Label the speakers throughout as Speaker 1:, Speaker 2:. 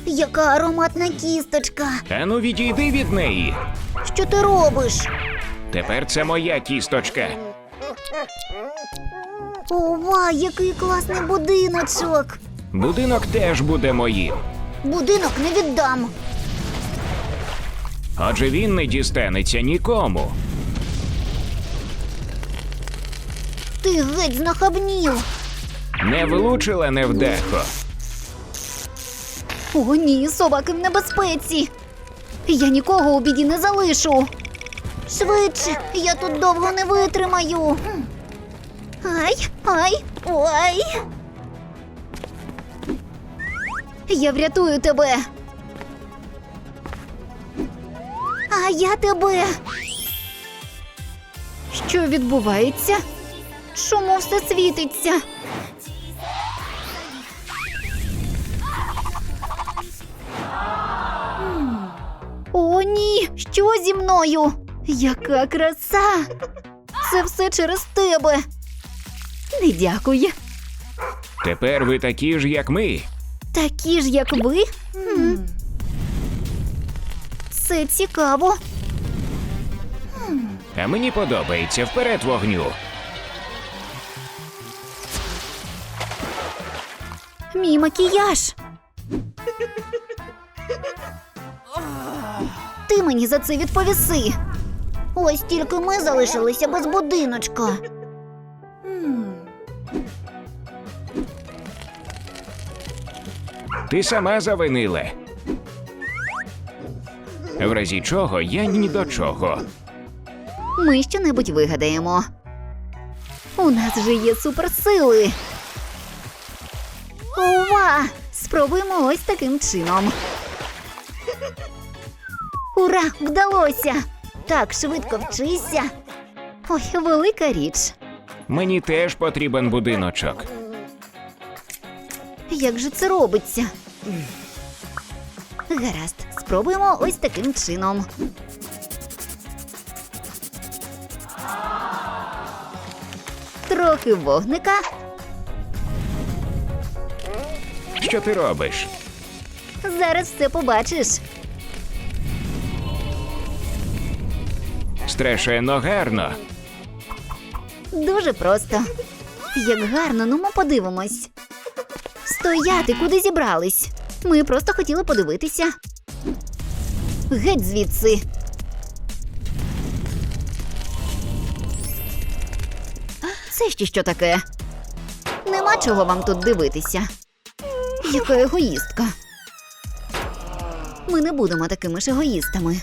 Speaker 1: Яка ароматна кісточка.
Speaker 2: Ану, відійди від неї.
Speaker 1: Що ти робиш?
Speaker 2: Тепер це моя кісточка.
Speaker 1: Ова, який класний будиночок.
Speaker 2: Будинок теж буде моїм.
Speaker 1: Будинок не віддам.
Speaker 2: Отже, він не дістанеться нікому.
Speaker 1: Ти геть знахабнів.
Speaker 2: Не влучила невдахо.
Speaker 1: О, ні, собаки в небезпеці. Я нікого у біді не залишу. Швидше, я тут довго не витримаю. Ай, ой. Я врятую тебе. А я тебе. Що відбувається? Чому все світиться? О, ні! Що зі мною? Яка краса! Це все через тебе. Не дякую.
Speaker 2: Тепер ви такі ж, як ми.
Speaker 1: Такі ж, як ви? Це цікаво.
Speaker 2: А мені подобається. Вперед вогню.
Speaker 1: Мій макіяж. Ти мені за це відповіси. Ось тільки ми залишилися без будиночка.
Speaker 2: Ти сама завинила. В разі чого я ні до чого.
Speaker 1: Ми щонебудь вигадаємо. У нас же є суперсили. Ова! Спробуємо ось таким чином. Ура! Вдалося! Так, швидко вчися. Ой, велика річ.
Speaker 2: Мені теж потрібен будиночок.
Speaker 1: Як же це робиться? Гаразд, спробуємо ось таким чином. Трохи вогника.
Speaker 2: Що ти робиш?
Speaker 1: Зараз все побачиш.
Speaker 2: Страшенно гарно.
Speaker 1: Дуже просто. Як гарно, ну ми подивимось. Стояти, куди зібрались? Ми просто хотіли подивитися. Геть звідси. Це ще що таке? Нема чого вам тут дивитися. Яка егоїстка. Ми не будемо такими ж егоїстами.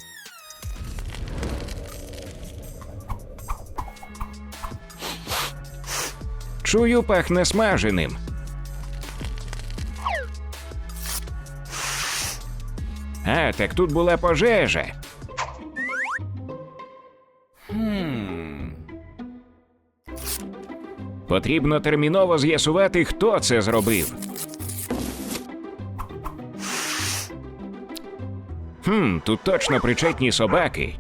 Speaker 2: Чую, пахне смаженим. А, так тут була пожежа. Потрібно терміново з'ясувати, хто це зробив. Тут точно причетні собаки.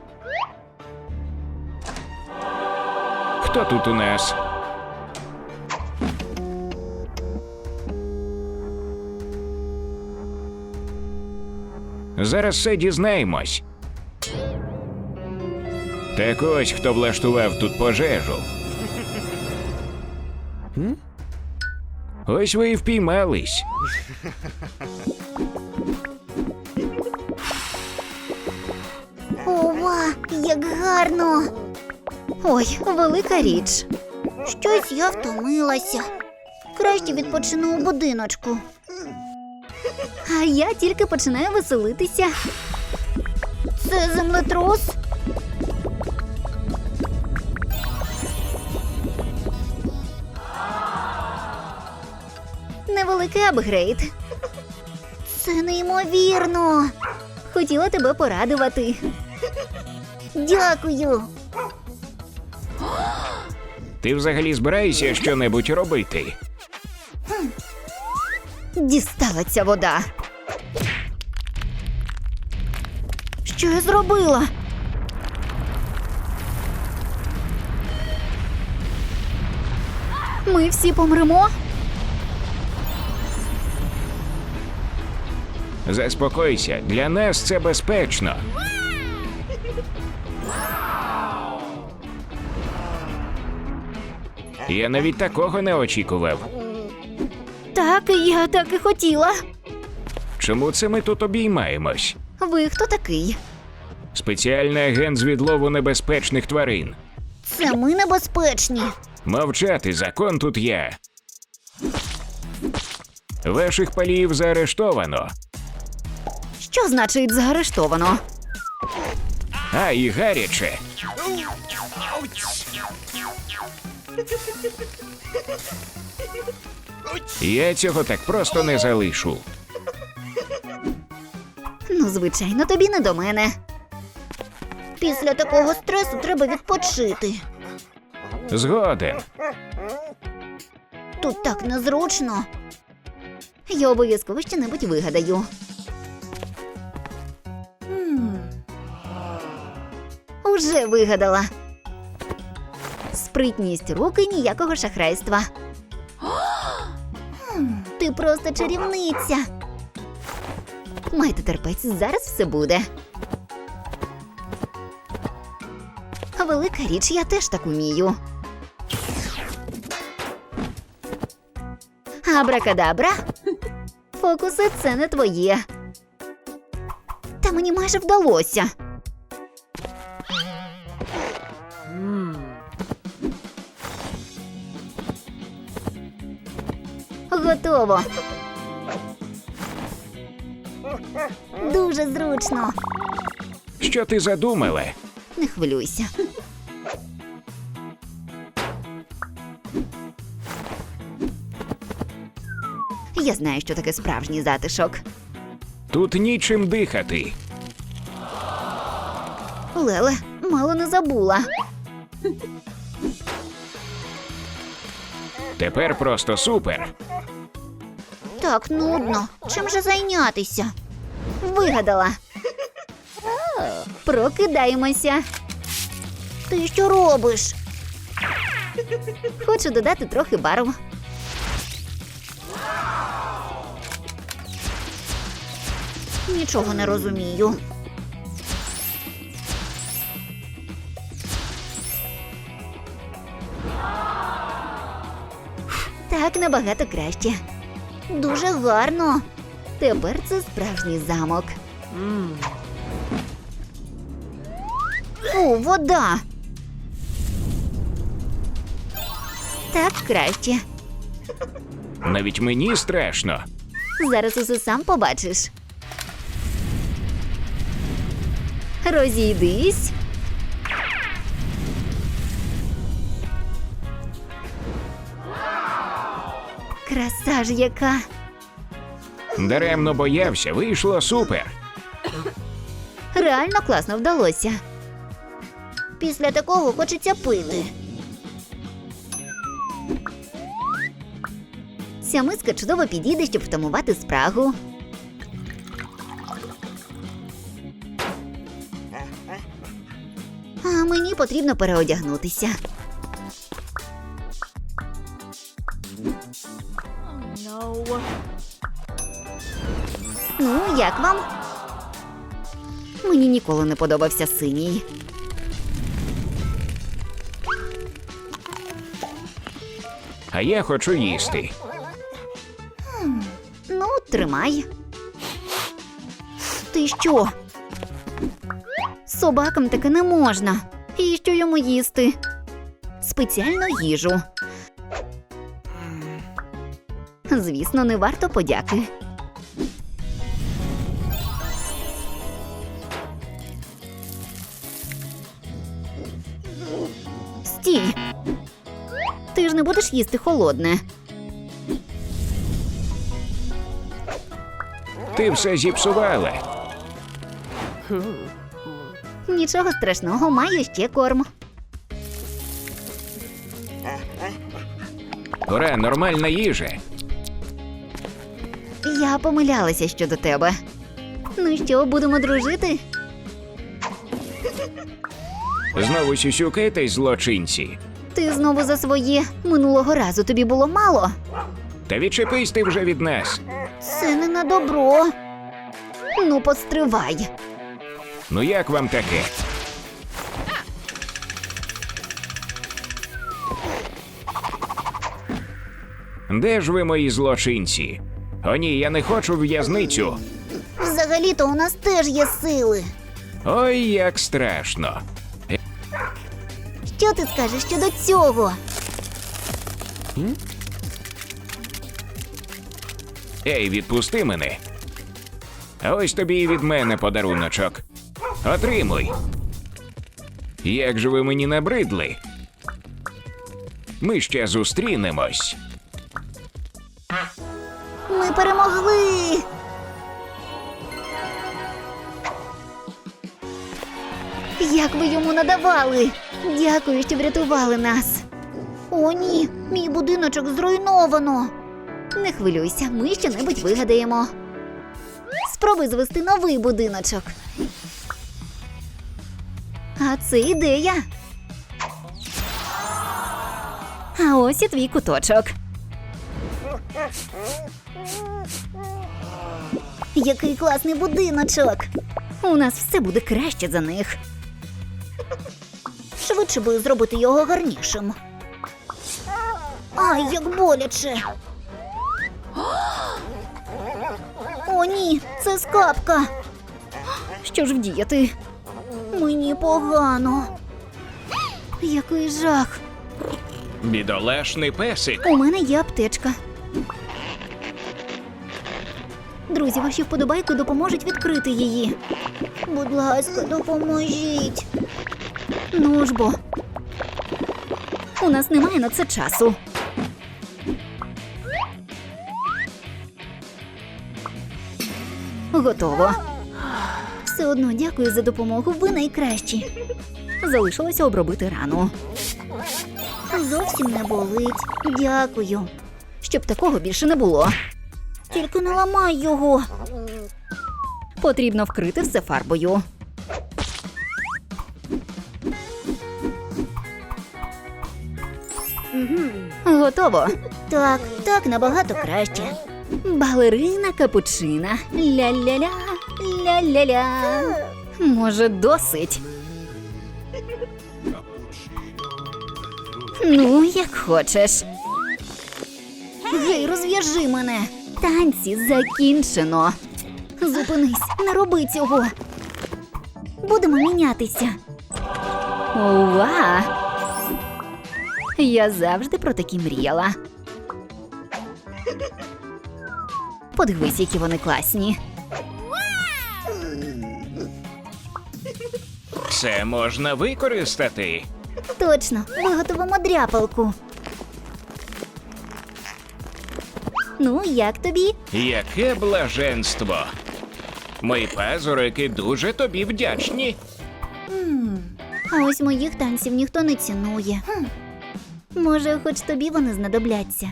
Speaker 2: Хто тут у нас? Зараз все дізнаємось. Так ось, хто влаштував тут пожежу. Ось ви і впіймались.
Speaker 1: Ова, як гарно! Ой, велика річ. Щось я втомилася. Краще відпочину у будиночку. А я тільки починаю веселитися. Це землетрус? Невеликий апгрейд. Це неймовірно. Хотіла тебе порадувати. Дякую.
Speaker 2: Ти взагалі збираєшся що-небудь робити?
Speaker 1: Дістала ця вода. Що я зробила? Ми всі помремо?
Speaker 2: Заспокойся, для нас це безпечно. Я навіть такого не очікував.
Speaker 1: Так, я так і хотіла.
Speaker 2: Чому це ми тут обіймаємось?
Speaker 1: Ви хто такий?
Speaker 2: Спеціальний агент з відлову небезпечних тварин.
Speaker 1: Це ми небезпечні.
Speaker 2: Мовчати, закон тут є. Ваших паліїв заарештовано.
Speaker 1: Що значить заарештовано?
Speaker 2: А, і гаряче. Я цього так просто не залишу.
Speaker 1: Ну, звичайно, тобі не до мене. Після такого стресу треба відпочити.
Speaker 2: Згоден.
Speaker 1: Тут так незручно. Я обов'язково щонебудь вигадаю. Уже вигадала. Спритність рук і ніякого шахрайства. Ти просто чарівниця. Майте терпець, зараз все буде. Велика річ, я теж так умію. Абракадабра. Фокуси – це не твоє. Та мені майже вдалося. Готово. Дуже зручно.
Speaker 2: Що ти задумала?
Speaker 1: Не хвилюйся. Я знаю, що таке справжній затишок.
Speaker 2: Тут нічим дихати.
Speaker 1: Леле, мало не забула.
Speaker 2: Тепер просто супер.
Speaker 1: Так нудно. Чим же зайнятися? Вигадала. Прокидаємося. Ти що робиш? Хочу додати трохи барв. Нічого не розумію. Так набагато краще. Дуже гарно. Тепер це справжній замок. Фу, вода. Так краще.
Speaker 2: Навіть мені страшно.
Speaker 1: Зараз усе сам побачиш. Розійдись. Краса ж яка.
Speaker 2: Даремно боявся, вийшло супер.
Speaker 1: Реально класно вдалося. Після такого хочеться пити. Ця миска чудово підійде, щоб втамувати спрагу. А мені потрібно переодягнутися. Ну, як вам? Мені ніколи не подобався синій.
Speaker 2: А я хочу їсти.
Speaker 1: Ну, тримай. Ти що? Собакам таке не можна. І що йому їсти? Спеціальну їжу. Звісно, не варто подяки. Стій! Ти ж не будеш їсти холодне.
Speaker 2: Ти все зіпсувала.
Speaker 1: Нічого страшного, маю ще корм.
Speaker 2: Ура, нормальна їжа.
Speaker 1: Я помилялася щодо тебе. Ну що, будемо дружити?
Speaker 2: Знову сюсюкаєтесь, злочинці.
Speaker 1: Ти знову за своє. Минулого разу тобі було мало.
Speaker 2: Та відчепись ти вже від нас.
Speaker 1: Це не на добро. Ну, постривай.
Speaker 2: Ну як вам таке? Де ж ви, мої злочинці? О ні, я не хочу в в'язницю.
Speaker 1: Взагалі-то у нас теж є сили.
Speaker 2: Ой, як страшно.
Speaker 1: Що ти скажеш щодо цього?
Speaker 2: Ей, відпусти мене. А ось тобі і від мене подаруночок. Отримуй. Як же ви мені набридли? Ми ще зустрінемось.
Speaker 1: Ми перемогли! Як ви йому надавали? Дякую, що врятували нас. О, ні, мій будиночок зруйновано. Не хвилюйся, ми щонебудь вигадаємо. Спробуй звести новий будиночок. А це ідея. А ось і твій куточок. Який класний будиночок. У нас все буде краще за них. Швидше би зробити його гарнішим. Ай, як боляче. О, ні, це скапка. Що ж вдіяти? Мені погано. Який жах.
Speaker 2: Бідолашний песик.
Speaker 1: У мене є аптечка. Друзі, ваші вподобайки допоможуть відкрити її. Будь ласка, допоможіть. Ну ж бо. У нас немає на це часу. Готово. Все одно дякую за допомогу, ви найкращі. Залишилося обробити рану. Зовсім не болить. Дякую. Щоб такого більше не було. Тільки не ламай його. Потрібно вкрити все фарбою. Готово. Так, так набагато краще. Балерина капучина. Ля-ля-ля, ля-ля-ля. Може, досить? Ну, як хочеш. Гей, розв'яжи мене. Танці закінчено. Зупинись, не роби цього. Будемо мінятися. Ова! Я завжди про такі мріяла. Подивись, які вони класні.
Speaker 2: Це можна використати.
Speaker 1: Точно, виготовимо дряпалку. Ну, як тобі?
Speaker 2: Яке блаженство. Мої пазурики дуже тобі вдячні.
Speaker 1: А ось моїх танців ніхто не цінує. Може, хоч тобі вони знадобляться.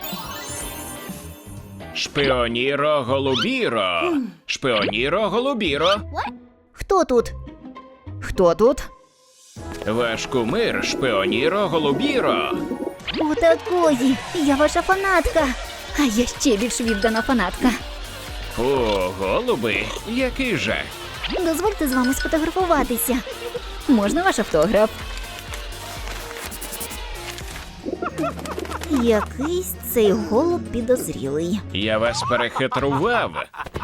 Speaker 2: Шпіоніро голубіро. Шпіоніро голубіро.
Speaker 1: Хто тут? Хто тут?
Speaker 2: Ваш кумир Шпіоніро голубіро.
Speaker 1: Отакої! Я ваша фанатка! А я ще більш віддана фанатка.
Speaker 2: О, голуби, який жах.
Speaker 1: Дозвольте з вами сфотографуватися. Можна ваш автограф? Якийсь цей голуб підозрілий.
Speaker 2: Я вас перехитрував.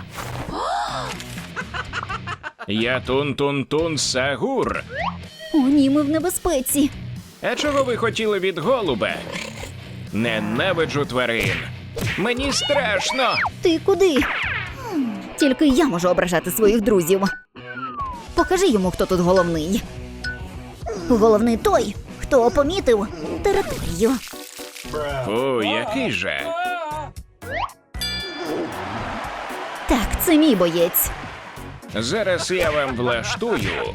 Speaker 2: Я Тун-Тун-Тун Сагур.
Speaker 1: О, ні, ми в небезпеці.
Speaker 2: А чого ви хотіли від голуба? Ненавиджу тварин. Мені страшно.
Speaker 1: Ти куди? Тільки я можу ображати своїх друзів. Покажи йому, хто тут головний. Головний той, хто помітив територію.
Speaker 2: Фу, який жах.
Speaker 1: Так, це мій боєць.
Speaker 2: Зараз я вам влаштую.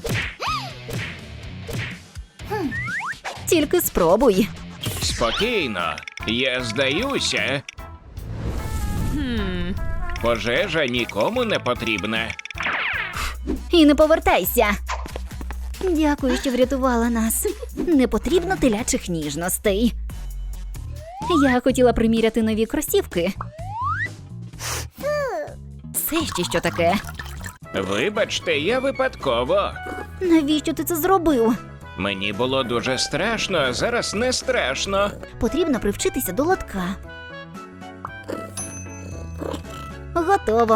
Speaker 1: Тільки спробуй.
Speaker 2: Спокійно, я здаюся. Пожежа нікому не потрібна.
Speaker 1: І не повертайся. Дякую, що врятувала нас. Не потрібно телячих ніжностей. Я хотіла приміряти нові кросівки. це ще що таке?
Speaker 2: Вибачте, я випадково.
Speaker 1: Навіщо ти це зробив?
Speaker 2: Мені було дуже страшно, а зараз не страшно.
Speaker 1: Потрібно привчитися до лотка. Готово.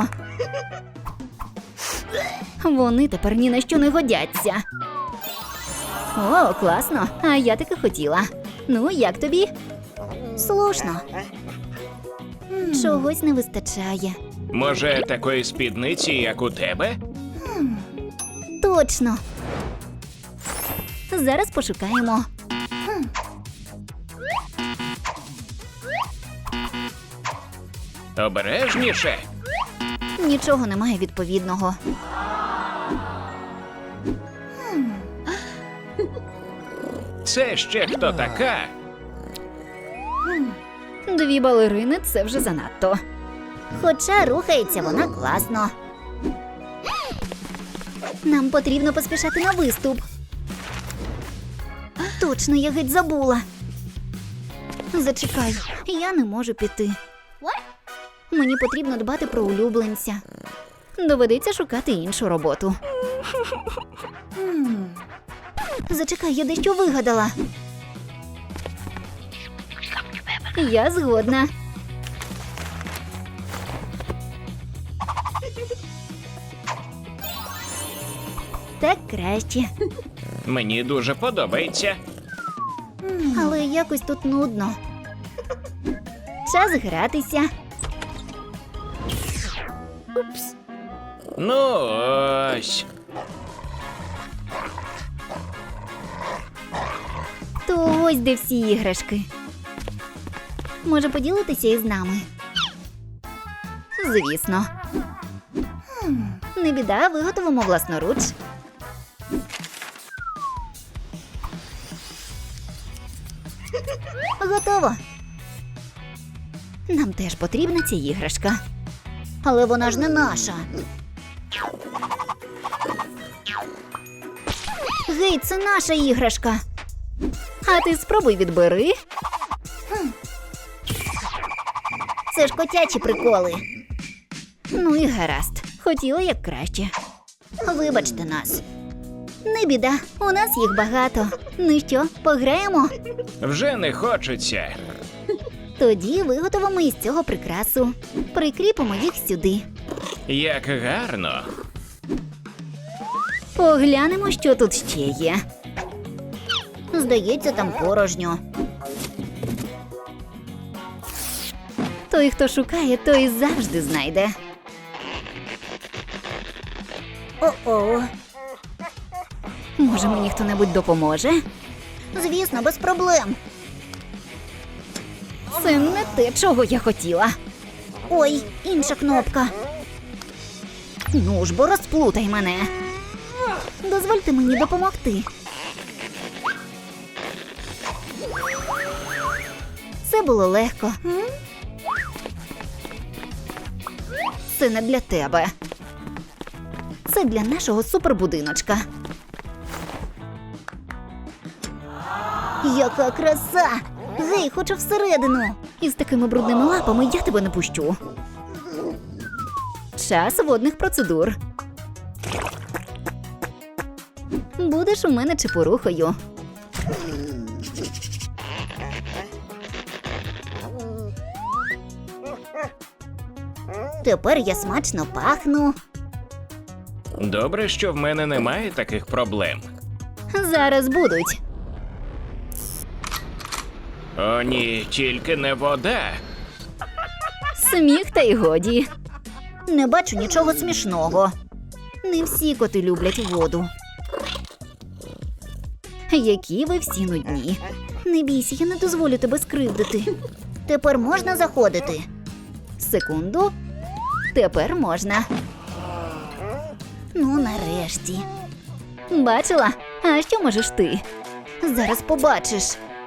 Speaker 1: Вони тепер ні на що не годяться. О, класно. А я таки хотіла. Ну, як тобі? Слушно. Чогось не вистачає.
Speaker 2: Може, такої спідниці, як у тебе?
Speaker 1: Точно. Зараз пошукаємо.
Speaker 2: Обережніше.
Speaker 1: Нічого немає відповідного.
Speaker 2: Це ще хто така?
Speaker 1: 2 балерини – це вже занадто. Хоча рухається вона класно. Нам потрібно поспішати на виступ. Точно, я геть забула. Зачекай, я не можу піти. Мені потрібно дбати про улюбленця. Доведеться шукати іншу роботу. Зачекай, я дещо вигадала. Я згодна. Так краще.
Speaker 2: Мені дуже подобається.
Speaker 1: Але якось тут нудно. Час гратися.
Speaker 2: Ну ось.
Speaker 1: То ось де всі іграшки. Може поділитися із нами? Звісно. Не біда, виготовимо власноруч. Готово. Нам теж потрібна ця іграшка. Але вона ж не наша. Гей, це наша іграшка. А ти спробуй відбери. Це ж котячі приколи. Ну і гаразд. Хотіла як краще. Вибачте нас. Не біда, у нас їх багато. Ну що, пограємо?
Speaker 2: Вже не хочеться.
Speaker 1: Тоді виготовимо із цього прикрасу. Прикріпимо їх сюди.
Speaker 2: Як гарно.
Speaker 1: Поглянемо, що тут ще є. Здається, там порожньо. Той, хто шукає, той завжди знайде. О-о. Може, мені хто-небудь допоможе? Звісно, без проблем. Це не те, чого я хотіла. Ой, інша кнопка. Ну ж бо розплутай мене. Дозвольте мені допомогти. Це було легко. Це не для тебе. Це для нашого супербудиночка. Яка краса! Гей, хочу всередину. Із такими брудними лапами я тебе не пущу. Час водних процедур. Будеш у мене чепурухою. Тепер я смачно пахну.
Speaker 2: Добре, що в мене немає таких проблем.
Speaker 1: Зараз будуть.
Speaker 2: О ні, тільки не вода.
Speaker 1: Сміх та й годі. Не бачу нічого смішного. Не всі коти люблять воду. Які ви всі нудні. Не бійся, я не дозволю тебе скривдити. Тепер можна заходити? Секунду. Тепер можна. Ну, нарешті. Бачила? А що можеш ти? Зараз побачиш.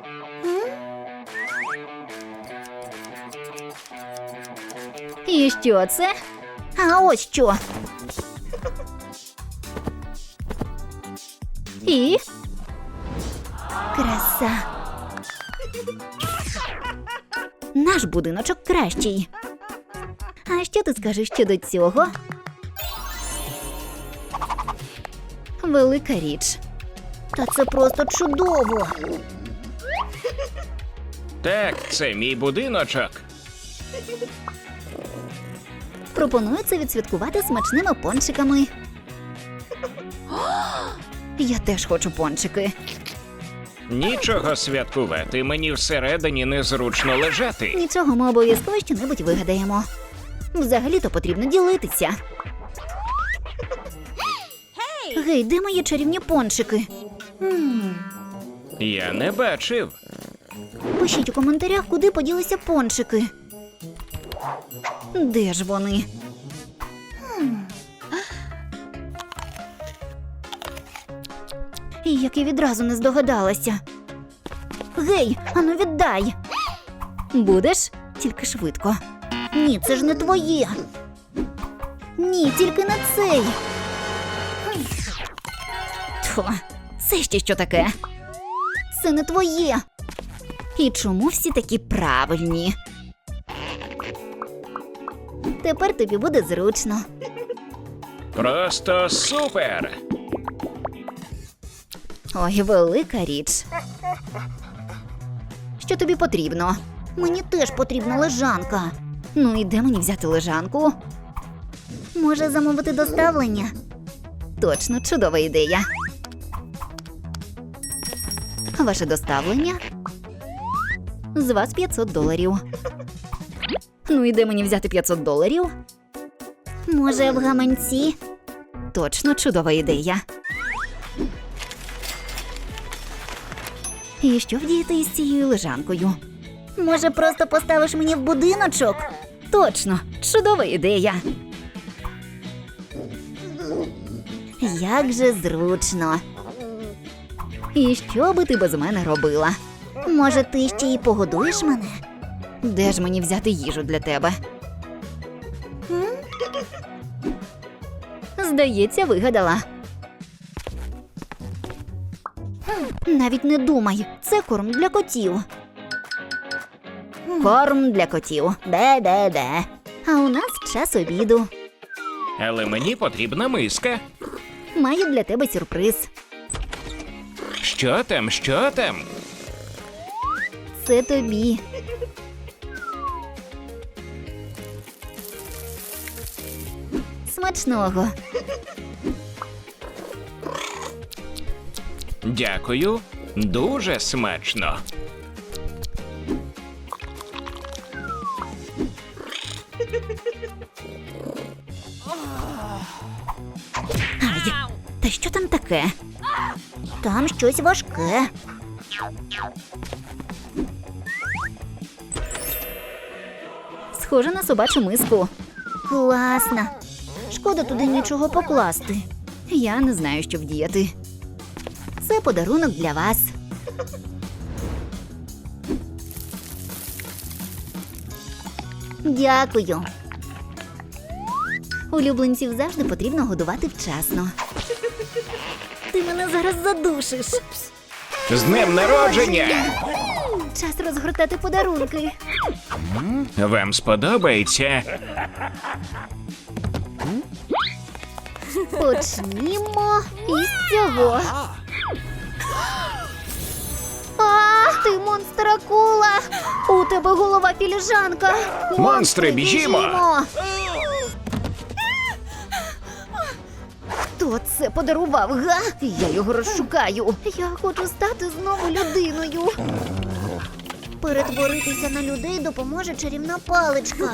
Speaker 1: І що це? А ось що. І? Краса. Наш будиночок кращий. А А що ти скажеш щодо цього? Велика річ. Та це просто чудово.
Speaker 2: Так, це мій будиночок.
Speaker 1: Пропоную це відсвяткувати смачними пончиками. Я теж хочу пончики.
Speaker 2: Нічого святкувати, мені всередині незручно лежати.
Speaker 1: Нічого, ми обов'язково щонебудь вигадаємо. Взагалі-то потрібно ділитися. Гей, де мої чарівні пончики?
Speaker 2: Я не бачив.
Speaker 1: Пишіть у коментарях, куди поділися пончики. Де ж вони? І як я відразу не здогадалася. Гей, ану віддай. Будеш? Тільки швидко. Ні, це ж не твоє. Ні, тільки не цей. Тьфу, це ще що таке? Це не твоє. І чому всі такі правильні? Тепер тобі буде зручно.
Speaker 2: Просто супер!
Speaker 1: Ой, велика річ. Що тобі потрібно? Мені теж потрібна лежанка. Ну і де мені взяти лежанку? Може замовити доставлення? Точно, чудова ідея. Ваше доставлення? З вас $500. Ну і де мені взяти $500? Може, в гаманці? Точно, чудова ідея. І що вдіяти із цією лежанкою? Може, просто поставиш мені в будиночок? Точно, чудова ідея. Як же зручно. І що би ти без мене робила? Може, ти ще й погодуєш мене? Де ж мені взяти їжу для тебе? Здається, вигадала. Навіть не думай, це корм для котів. Корм для котів. Де. А у нас час обіду.
Speaker 2: Але мені потрібна миска.
Speaker 1: Маю для тебе сюрприз.
Speaker 2: Що там, що там?
Speaker 1: Це тобі. Смачного.
Speaker 2: Дякую. Дуже смачно.
Speaker 1: Ай, та що там таке? Там щось важке. Схоже на собачу миску. Класно. Шкода туди нічого покласти. Я не знаю, що вдіяти. Це подарунок для вас. Дякую. Улюбленців завжди потрібно годувати вчасно. Ти мене зараз задушиш.
Speaker 2: З днем народження!
Speaker 1: Час розгортати подарунки.
Speaker 2: Вам сподобається?
Speaker 1: Почнімо із цього. А, ти монстр-акула! У тебе голова філіжанка!
Speaker 2: Монстри, біжімо!
Speaker 1: Хто це подарував, га? Я його розшукаю. Я хочу стати знову людиною. Перетворитися на людей допоможе чарівна паличка.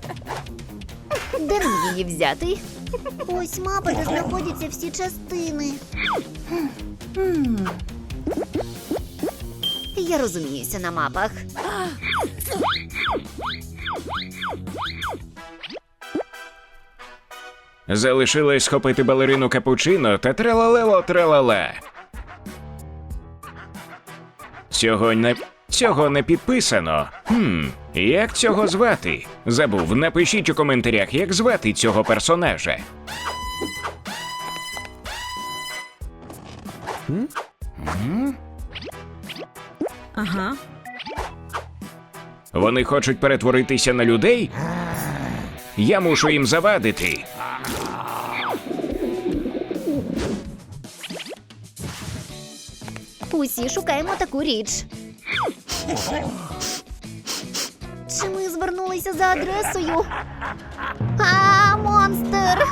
Speaker 1: Де нам її взяти? Ось мапа, де знаходяться всі частини. Я розуміюся на мапах.
Speaker 2: Залишилось схопити балерину капучино та тралалело-тралала. Цього не підписано. Як цього звати? Забув, напишіть у коментарях, як звати цього персонажа.
Speaker 3: Ага.
Speaker 2: Вони хочуть перетворитися на людей? Я мушу їм завадити.
Speaker 1: Усі шукаємо таку річ. Чи ми звернулися за адресою? А, монстр!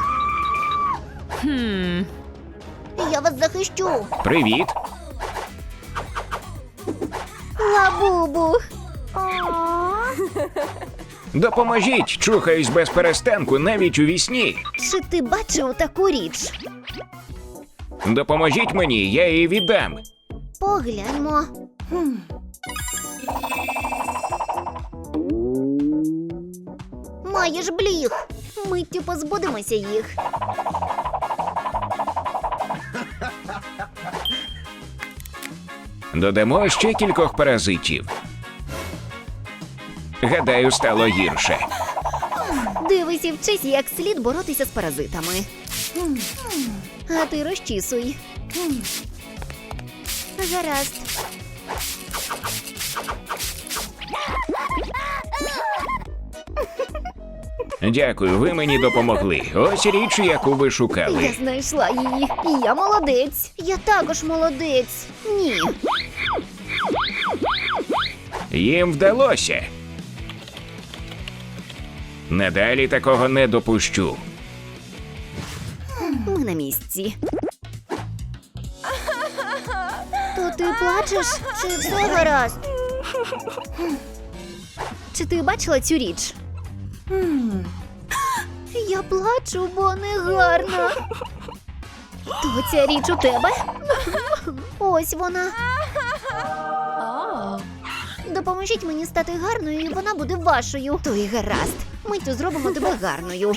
Speaker 1: Я вас захищу.
Speaker 2: Привіт.
Speaker 1: Лабубу.
Speaker 2: Допоможіть, чухаюсь без перестанку навіть у вісні.
Speaker 1: Чи ти бачив таку річ?
Speaker 2: Допоможіть мені, я її віддам.
Speaker 1: Погляньмо. Маєш бліг. Миттю позбудемося їх.
Speaker 2: Додамо ще кількох паразитів. Гадаю, стало гірше.
Speaker 1: Дивись і вчись, як слід боротися з паразитами. А ти розчісуй. Гаразд.
Speaker 2: Дякую, ви мені допомогли. Ось річ, яку ви
Speaker 1: Я
Speaker 2: шукали.
Speaker 1: знайшла її. І я молодець. Я також молодець. Ні.
Speaker 2: Їм вдалося. Надалі такого не допущу.
Speaker 1: Ми на місці. То ти плачеш? Чи все гаразд? Чи ти бачила цю річ? Я плачу, бо не гарна. То ця річ у тебе? Ось вона. Допоможіть мені стати гарною, і вона буде вашою. То й гаразд. Миттю зробимо тебе гарною.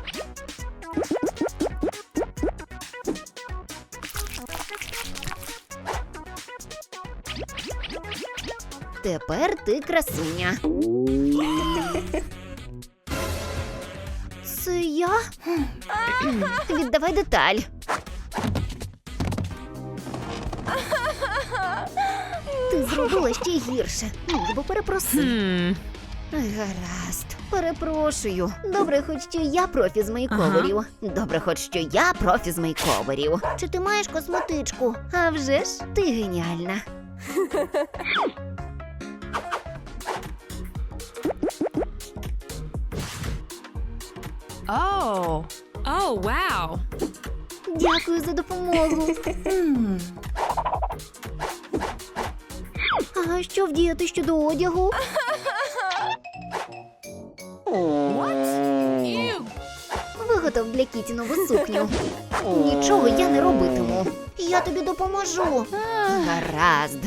Speaker 1: Тепер ти красуня. Це я? Віддавай деталь. Ти зробила ще гірше. Міг би перепроси. Гаразд. Перепрошую. Добре, хоч що я профі з мейковерів. Добре, хоч що я профі з мейковерів. Чи ти маєш косметичку? А вже ж, ти геніальна.
Speaker 3: Oh. Oh, wow.
Speaker 1: Дякую за допомогу. А що вдіяти щодо одягу?
Speaker 3: Ew.
Speaker 1: Виготов для Кіті нову сукню. Нічого я не робитиму. Я тобі допоможу. Гаразд.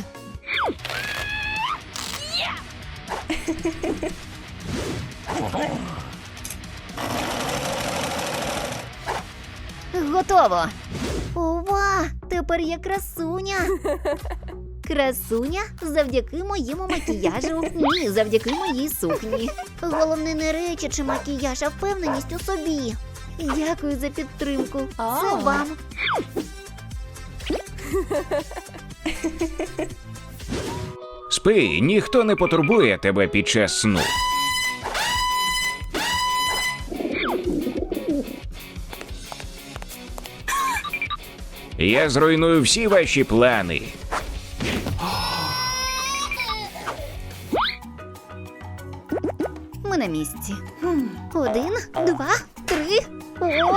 Speaker 1: Готово. Ова, тепер я красуня. Красуня завдяки моєму макіяжу. Ні, завдяки моїй сукні. Головне не речі чи макіяж, а впевненість у собі. Дякую за підтримку. Це вам.
Speaker 2: Спи, ніхто не потурбує тебе під час сну. Я зруйную всі ваші плани.
Speaker 1: Ми на місці. 1, 2, 3. О!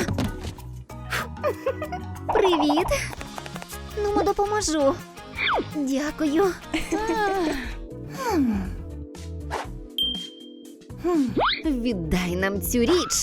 Speaker 1: Привіт. Ну, допоможу. Дякую. Віддай нам цю річ.